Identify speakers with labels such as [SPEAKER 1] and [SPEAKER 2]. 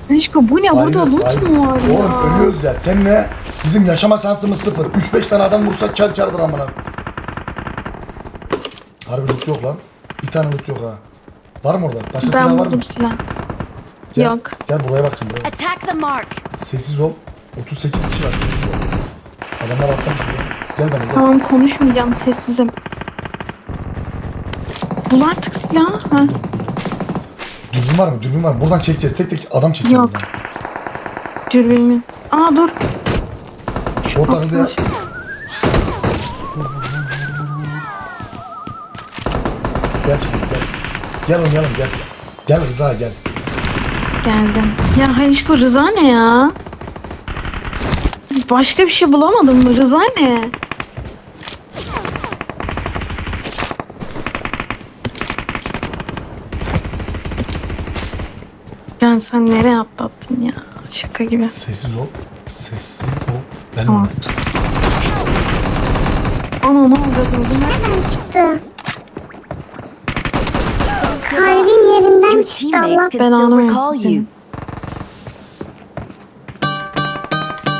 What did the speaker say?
[SPEAKER 1] Aşko bu ne? Burada loot mu var ya?
[SPEAKER 2] Oğlum ölüyoruz ya. Seninle bizim yaşama şansımız sıfır. 3-5 tane adam vursak çar çardır amına. Harbi loot yok lan. Bir tane loot yok ha. Var mı orada? Başka
[SPEAKER 1] Ben
[SPEAKER 2] silah var mı?
[SPEAKER 1] buldum silah.
[SPEAKER 2] Gel,
[SPEAKER 1] Yok.
[SPEAKER 2] Gel buraya bak şimdi. Buraya.
[SPEAKER 3] Attack the mark.
[SPEAKER 2] Sessiz ol. 38 kişi var, sessiz ol. Adamlar atlamış buraya. Gel bana gel.
[SPEAKER 1] Tamam konuşmayacağım, sessizim. Bul artık silah. Ha.
[SPEAKER 2] Dürbün var mı? Dürbün var mı? Buradan çekeceğiz. Tek tek adam çekeceğiz.
[SPEAKER 1] Yok. Dürbünümü. Aa dur.
[SPEAKER 2] Orada ya. Gel şimdi gel. Gel oynayalım gel. Gel Rıza gel.
[SPEAKER 1] Geldim. Ya Halişko Rıza ne ya? Başka bir şey bulamadım mı? Rıza ne? Yani sen nereye atlattın ya? Şaka gibi.
[SPEAKER 2] Sessiz ol. Sessiz ol. Ben
[SPEAKER 1] Tamam. Ana ne oldu?
[SPEAKER 4] Nereden çıktı? Kalbin yerinden
[SPEAKER 3] Your
[SPEAKER 4] çıktı Allah.
[SPEAKER 3] teammates can still
[SPEAKER 1] Belanı
[SPEAKER 3] recall
[SPEAKER 1] versin
[SPEAKER 3] you.